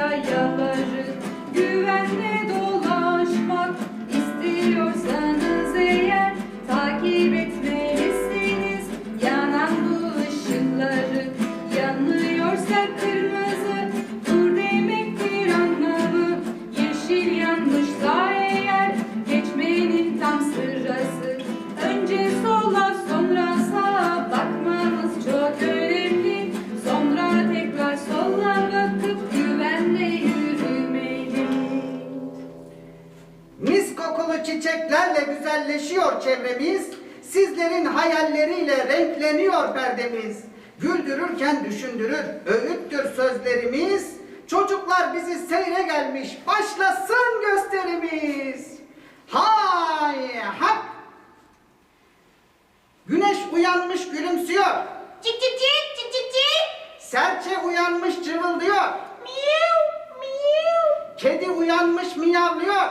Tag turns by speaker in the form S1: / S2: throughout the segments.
S1: yayaları. Güvenle dolaşmak istiyorsanız eğer takip etmelisiniz yanan bu ışıkları. Yanıyorsa kırmızı dur demektir anlamı. Yeşil yanmışsa eğer geçmenin tam sırası. Önce sola sonra sağa bakmanız çok önemli. Sonra tekrar sola bakıp güvenle yürümeli.
S2: Mis kokulu çiçeklerle güzelleşiyor çevremiz. Sizlerin hayalleriyle renkleniyor perdemiz. Güldürürken düşündürür, öğüttür sözlerimiz. Çocuklar bizi seyre gelmiş, başlasın gösterimiz. Hay hak! Güneş uyanmış gülümsüyor.
S3: Cik cik cik cik cik cik.
S2: Serçe uyanmış cıvıldıyor.
S3: Miyav miyav.
S2: Kedi uyanmış miyavlıyor.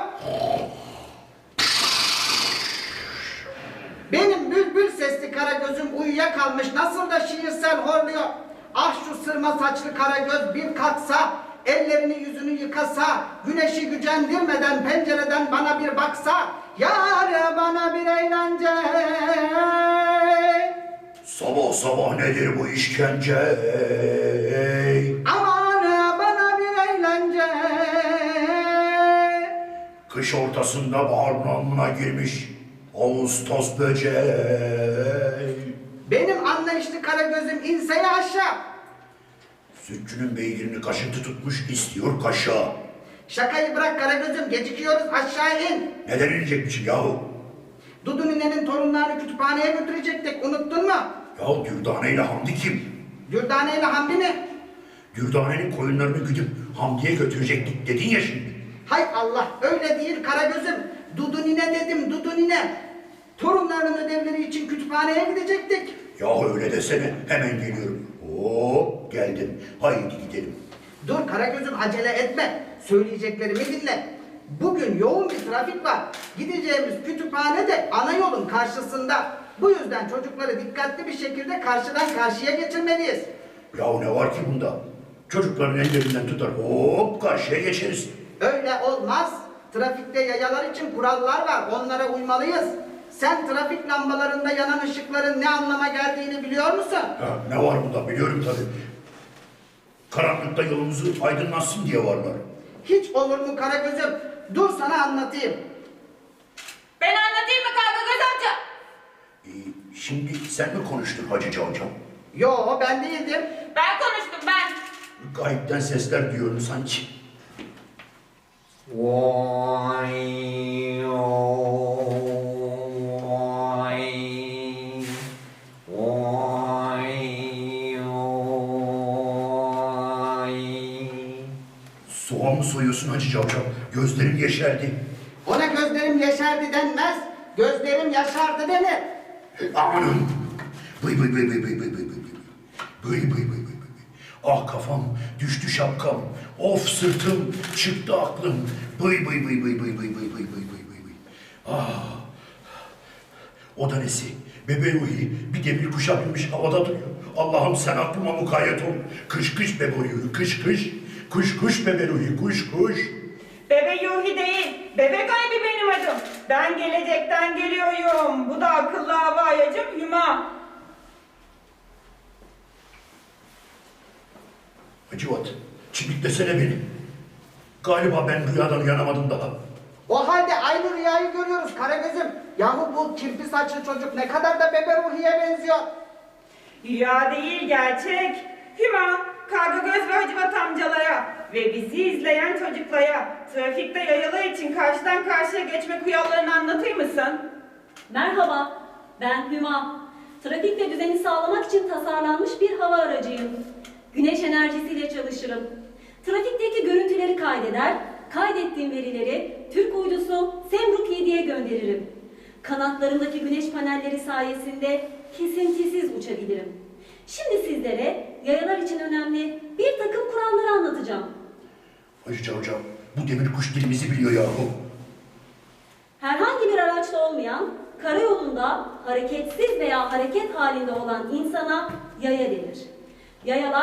S2: Benim bülbül sesli Karagöz'üm uyuyakalmış nasıl da şiirsel horluyor. Ah şu sırma saçlı Karagöz bir kalksa, ellerini yüzünü yıkasa, güneşi gücendirmeden pencereden bana bir baksa, yar bana bir eğlence.
S4: Sabah sabah nedir bu işkence?
S2: Aman bana bir eğlence.
S4: Kış ortasında bahar namına girmiş Ağustos böceği.
S2: Benim anlayışlı Karagöz'üm inseye aşağı.
S4: Sütçünün beygirini kaşıntı tutmuş istiyor kaşa.
S2: Şakayı bırak Karagöz'üm, gecikiyoruz, aşağı in.
S4: Neden inecekmişim yahu?
S2: Dudu ninenin torunlarını kütüphaneye götürecektik, unuttun mu?
S4: Ya Dürdane ile Hamdi kim?
S2: Dürdane ile Hamdi mi?
S4: Dürdane'nin koyunlarını güdüp Hamdi'ye götürecektik dedin ya şimdi.
S2: Hay Allah, öyle değil Karagöz'üm. Dudu nine dedim, Dudu nine. Torunlarının ödevleri için kütüphaneye gidecektik.
S4: Yahu öyle desene, hemen geliyorum. Hop geldim, haydi gidelim.
S2: Dur Karagöz'üm, acele etme. Söyleyeceklerimi dinle. Bugün yoğun bir trafik var. Gideceğimiz kütüphane de ana yolun karşısında. Bu yüzden çocukları dikkatli bir şekilde karşıdan karşıya geçirmeliyiz.
S4: Yahu ne var ki bunda? Çocukların ellerinden tutar, hop karşıya geçeriz.
S2: Öyle olmaz. Trafikte yayalar için kurallar var. Onlara uymalıyız. Sen trafik lambalarında yanan ışıkların ne anlama geldiğini biliyor musun?
S4: Ha, ne var bunda biliyorum tabii. Karanlıkta yolumuzu aydınlatsın diye varlar.
S2: Hiç olur mu Karagöz'üm? Dur sana anlatayım.
S3: Ben anlatayım mı Karagöz amca?
S4: Şimdi sen mi konuştun Hacı Cavcav?
S2: Yo, ben değildim.
S3: Ben konuştum ben.
S4: Gayipten sesler diyorum sanki. Soğan mı soyuyorsun Hacı Cavcav? Gözlerim yeşerdi.
S2: Ona gözlerim yeşerdi denmez. Gözlerim yaşardı denir.
S4: Amanım! Bıy bıy bıy bıy bıy bıy bıy bıy bıy. Bıy bıy bıy bıy bıy bıy. Ah kafam, düştü şapkam. Of sırtım, çıktı aklım. Bıy bıy bıy bıy bıy bıy bıy bıy bıy bıy bıy bıy. Ah! O da nesi? Bebe Ruhi bir demir kuşa binmiş havada duruyor. Allah'ım sen aklıma mukayyet ol. Kış kış Bebe Ruhi, kış kış. Kuş kuş Bebe Ruhi, kuş kuş.
S5: Bebe Yuhi değil, bebek aybi benim adım. Ben gelecekten geliyorum. Bu da akıllı havayacım Hüma.
S4: Hacivat, çimiklesene beni. Galiba ben rüyadan uyanamadım daha.
S2: O halde aynı rüyayı görüyoruz Karagöz'üm. Yahu bu kirpi saçlı çocuk ne kadar da Bebe Ruhi'ye benziyor.
S5: Rüya değil gerçek. Hüma, Kargagöz ve Hacivat amcalara ve bizi izleyen çocuklara trafikte yayalar için karşıdan karşıya geçme kurallarını anlatır mısın?
S6: Merhaba, ben Hüma. Trafikte düzeni sağlamak için tasarlanmış bir hava aracıyım. Güneş enerjisiyle çalışırım. Trafikteki görüntüleri kaydeder, kaydettiğim verileri Türk uydusu Semruk 7'ye gönderirim. Kanatlarındaki güneş panelleri sayesinde kesintisiz uçabilirim. Şimdi sizlere yayalar için önemli bir takım kuralları anlatacağım.
S4: Hacı Cavcav, bu demir kuş dilimizi biliyor yahu.
S6: Herhangi bir araçta olmayan, karayolunda hareketsiz veya hareket halinde olan insana yaya denir. Yayalar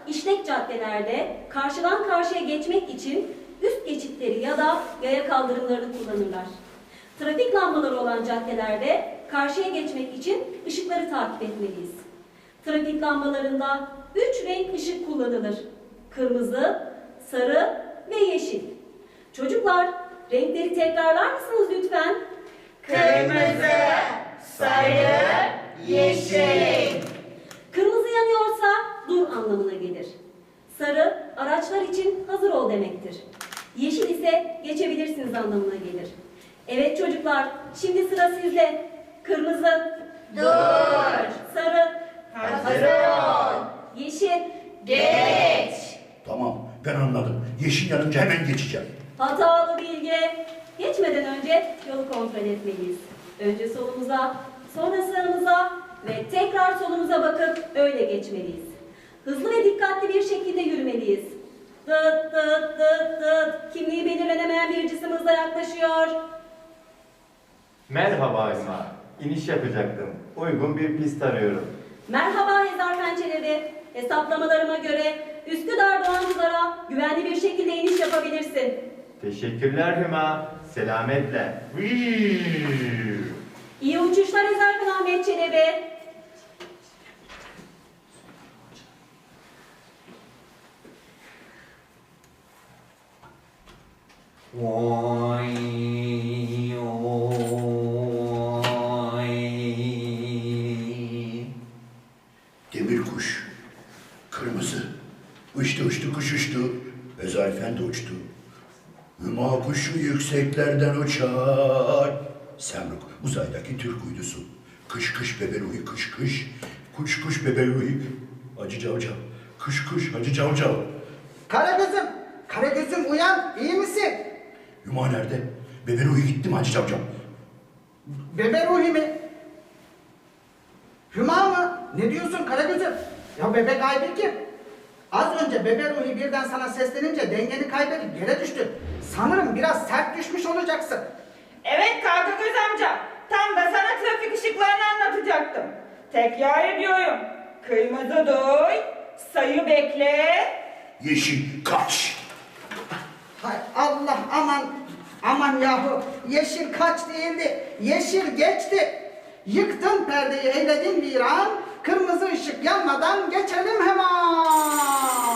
S6: işlek caddelerde karşıdan karşıya geçmek için üst geçitleri ya da yaya kaldırımlarını kullanırlar. Trafik lambaları olan caddelerde karşıya geçmek için ışıkları takip etmeliyiz. Trafik lambalarında 3 renk ışık kullanılır. Kırmızı, sarı ve yeşil. Çocuklar, renkleri tekrarlar mısınız lütfen?
S3: Kırmızı, sarı, yeşil.
S6: Kırmızı yanıyorsa dur anlamına gelir. Sarı, araçlar için hazır ol demektir. Yeşil ise geçebilirsiniz anlamına gelir. Evet çocuklar, şimdi sıra sizde. Kırmızı,
S3: Dur.
S6: sarı,
S3: Hazır ol.
S6: yeşil.
S3: Geç.
S4: Tamam, ben anladım. Yeşil yanınca hemen geçeceğim.
S6: Hatalı bilge. Geçmeden önce yolu kontrol etmeliyiz. Önce solumuza, sonra sağımıza ve tekrar solumuza bakıp öyle geçmeliyiz. Hızlı ve dikkatli bir şekilde yürümeliyiz. Dıt dıt dıt dıt. Kimliği belirlenemeyen bir cisim hızla yaklaşıyor.
S7: Merhaba Hüma. İniş yapacaktım. Uygun bir pist arıyorum.
S6: Merhaba Hezar Pençeleri. Hesaplamalarıma göre Üsküdar Doğanpınar'a güvenli bir şekilde iniş yapabilirsin.
S7: Teşekkürler Hüma. Selametle.
S6: İyi uçuşlar Hezarfen Ahmet Çelebi.
S4: Demir kuş, kırmızı. Uçtu uçtu kuş uçtu. Ezafen de uçtu. Hüma kuşu yükseklerden uçar. Semruk uzaydaki Türk uydusu. Kış kış beberuhi kış kış. Kuş kuş beberuhi. Hacı Cavcav. Kış kış Hacı Cavcav.
S2: Karagöz'üm, Karagöz'üm uyan, iyi misin?
S4: Hüma nerede? Beberuhi gitti mi Hacı Cavcav?
S2: Bebe Ruhi mi? Hüma mı? Ne diyorsun Karagöz'üm? Ya bebe gaybi kim? Az önce Bebe Ruhi birden sana seslenince dengeni kaybedip yere düştün. Sanırım biraz sert düşmüş olacaksın.
S5: Evet Kargagöz amca. Tam da sana trafik ışıklarını anlatacaktım. Tekrar ediyorum. Kırmızı duy, sayı bekle.
S4: Yeşil kaç.
S2: Hay Allah, aman yahu, yeşil kaç değildi, yeşil geçti. Yıktın perdeyi, eyledin viran, kırmızı ışık yanmadan geçelim hemen.